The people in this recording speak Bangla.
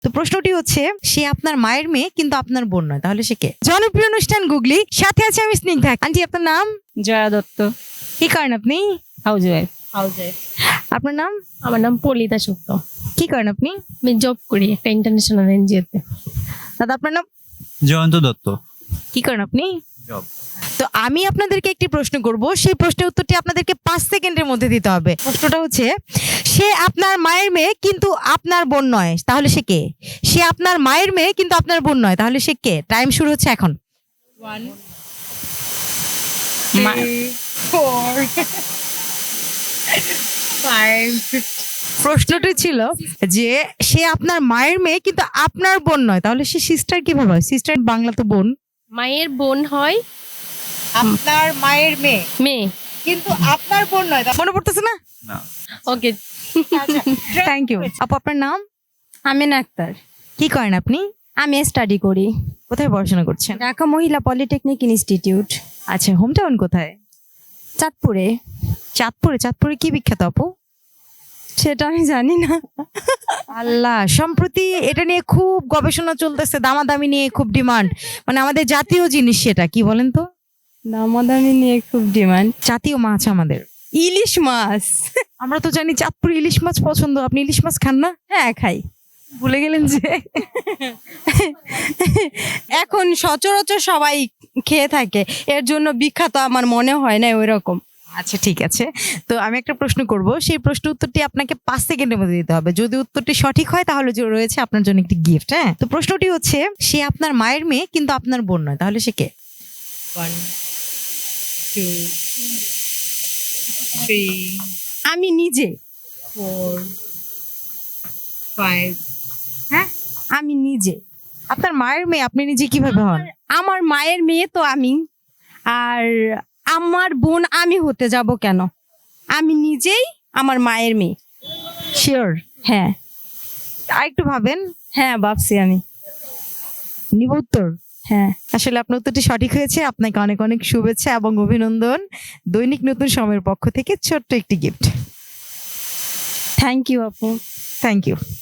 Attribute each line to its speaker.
Speaker 1: তো প্রশ্নটি হচ্ছে, সে আপনার মায়ের মেয়ে কিন্তু আপনার বোন নয়, তাহলে সে কে? জনপ্রিয় অনুষ্ঠান গুগলি, সাথে আছে আমি স্নিগ্ধা। আন্টি, আপনার নাম?
Speaker 2: জয়া দত্ত,
Speaker 1: কি করেন আপনি?
Speaker 2: House wife.
Speaker 1: আপনার নাম?
Speaker 2: আমার নাম পলিতা সুক্ত,
Speaker 1: কি করেন আপনি?
Speaker 2: আমি জব করি একটা ইন্টারন্যাশনাল এনজিওতে।
Speaker 1: দাদা, আপনার নাম?
Speaker 3: জয়ন্ত দত্ত।
Speaker 1: কি করেন আপনি?
Speaker 3: জব।
Speaker 1: তো আমি আপনাদেরকে একটি প্রশ্ন করব, সেই প্রশ্নের উত্তরটি আপনাদেরকে 5 সেকেন্ডের মধ্যে দিতে হবে। প্রশ্নটা হচ্ছে, সে আপনার মায়ের মেয়ে কিন্তু আপনার বোন নয়, তাহলে সে কে? সে আপনার মায়ের মেয়ে কিন্তু আপনার বোন নয়, তাহলে সে কে? টাইম শুরু হচ্ছে এখন।
Speaker 2: 1
Speaker 1: প্রশ্নটি ছিল যে, সে আপনার মায়ের মেয়ে কিন্তু আপনার বোন নয়, তাহলে সে সিস্টার কিভাবে হয়? সিস্টার বাংলা তো বোন।
Speaker 2: মায়ের বোন হয়
Speaker 1: আপনার মায়ের মেয়ে
Speaker 2: মেয়ে।
Speaker 1: কিন্তু আপনার বোন নয়, মনে পড়তেছে না?
Speaker 3: না।
Speaker 2: Okay,
Speaker 1: thank you. আপু, আপনার নাম?
Speaker 2: আমিনা আক্তার।
Speaker 1: কি করেন আপনি?
Speaker 2: আমি স্টাডি করি
Speaker 1: কোথায় পড়াশোনা করছেন?
Speaker 2: ঢাকা মহিলা পলিটেকনিক ইনস্টিটিউট,
Speaker 1: আচ্ছা, হোম টাউন কোথায়?
Speaker 2: চাঁদপুরে।
Speaker 1: চাঁদপুরে? চাঁদপুরে কি বিখ্যাত আপু?
Speaker 2: সেটা আমি জানি না।
Speaker 1: আল্লাহ, সম্প্রতি এটা নিয়ে খুব গবেষণা চলতেছে, দামাদামি নিয়ে খুব ডিমান্ড, মানে আমাদের জাতীয় জিনিস সেটা, কি বলেন তো?
Speaker 2: দামাদামি নিয়ে খুব ডিমান্ড।
Speaker 1: জাতীয় মাছ আমাদের
Speaker 2: ইলিশ মাছ।
Speaker 1: আমরা তো জানি চাঁদপুর ইলিশ মাছ পছন্দ। আপনি ইলিশ মাছ খান না?
Speaker 2: হ্যাঁ, খাই।
Speaker 1: ভুলে গেলেন যে
Speaker 2: এখন সচরাচর সবাই খেয়ে থাকে, এর জন্য বিখ্যাত আমার মনে হয় না ওই রকম।
Speaker 1: আচ্ছা, ঠিক আছে। তো আমি একটা প্রশ্ন করব, সেই প্রশ্ন উত্তরটি আপনাকে 5 সেকেন্ডের মধ্যে দিতে হবে। যদি উত্তরটি সঠিক হয় তাহলে যে রয়েছে আপনার জন্য একটি গিফট। হ্যাঁ, তো প্রশ্নটি হচ্ছে, সে আপনার মায়ের মেয়ে কিন্তু আপনার বোন নয়, তাহলে সে কে?
Speaker 4: 1 2 3
Speaker 2: আমি নিজে।
Speaker 4: 4 5
Speaker 2: আমি নিজে
Speaker 1: আপনার মায়ের মেয়ে, আপনি নিজে কিভাবে হন?
Speaker 2: আমার মায়ের মেয়ে তো আমি, আর আমার বোন আমি হতে যাব কেন? আমি নিজেই আমার মায়ের মেয়ে।
Speaker 1: শিওর?
Speaker 2: হ্যাঁ,
Speaker 1: আর একটু ভাবেন।
Speaker 2: হ্যাঁ ভাবছি আমি।
Speaker 1: নিব উত্তর?
Speaker 2: হ্যাঁ,
Speaker 1: আসলে আপনার উত্তরটি সঠিক হয়েছে। আপনাকে অনেক অনেক শুভেচ্ছা এবং অভিনন্দন। দৈনিক নতুন সময়ের পক্ষ থেকে ছোট্ট একটি গিফট।
Speaker 2: থ্যাংক ইউ আপু।
Speaker 1: Thank you.